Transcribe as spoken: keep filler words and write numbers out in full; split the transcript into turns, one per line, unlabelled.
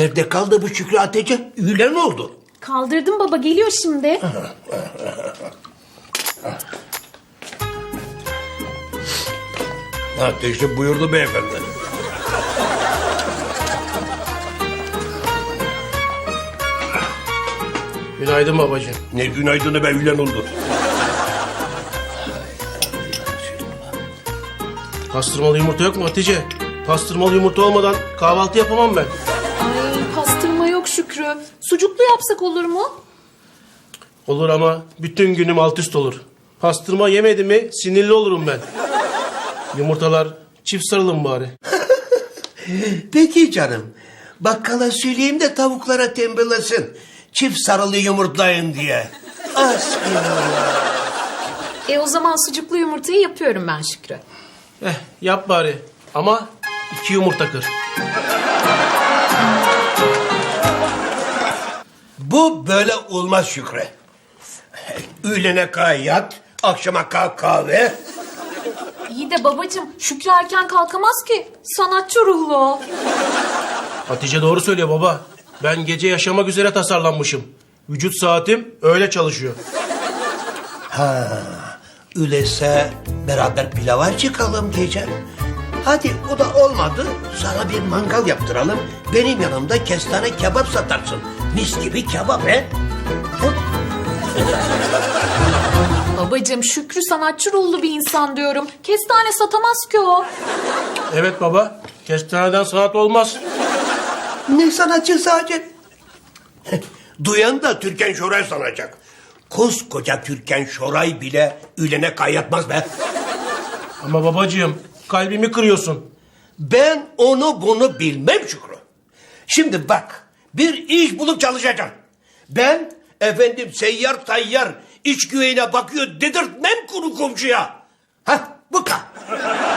Nerede kaldı bu Şükrü Hatice? Üyle ne oldu?
Kaldırdım baba, geliyor şimdi.
Ateşi buyurdu beyefendi.
Günaydın babacığım.
Ne günaydını be ülen oldu.
Pastırmalı yumurta yok mu Hatice? Pastırmalı yumurta olmadan kahvaltı yapamam ben.
Ay, pastırma yok Şükrü. Sucuklu yapsak olur mu?
Olur ama bütün günüm alt üst olur. Pastırma yemedim mi sinirli olurum ben. Yumurtalar çift sarılın bari.
Peki canım. Bakkala söyleyeyim de tavuklara tembellesin. Çift sarılı yumurtlayın diye. Asbinallah.
E o zaman sucuklu yumurtayı yapıyorum ben Şükrü.
Eh yap bari ama iki yumurta kır.
Bu böyle olmaz Şükrü. Öğlene kadar yat, akşama kalk kahve.
İyi de babacığım, Şükrü erken kalkamaz ki. Sanatçı ruhlu o.
Hatice doğru söylüyor baba. Ben gece yaşamak üzere tasarlanmışım. Vücut saatim öyle çalışıyor.
Öyleyse beraber pilava çıkalım diyeceğim. Hadi o da olmadı. Sana bir mangal yaptıralım. Benim yanımda kestane kebap satarsın. Mis gibi kebap he.
Babacığım, Şükrü sanatçı ruhlu bir insan diyorum. Kestane satamaz ki o.
Evet baba. Kestaneden sanat olmaz.
Ne sanatçı sadece? Duyan da Türkan Şoray sanacak. Koskoca Türkan Şoray bile ülene kayyatmaz be.
Ama babacığım kalbimi kırıyorsun.
Ben onu bunu bilmem Şükrü. Şimdi bak, bir iş bulup çalışacağım. Ben efendim seyyar tayyar iç güveyine bakıyor dedirtmem kuru komşuya. Hah bu kadar.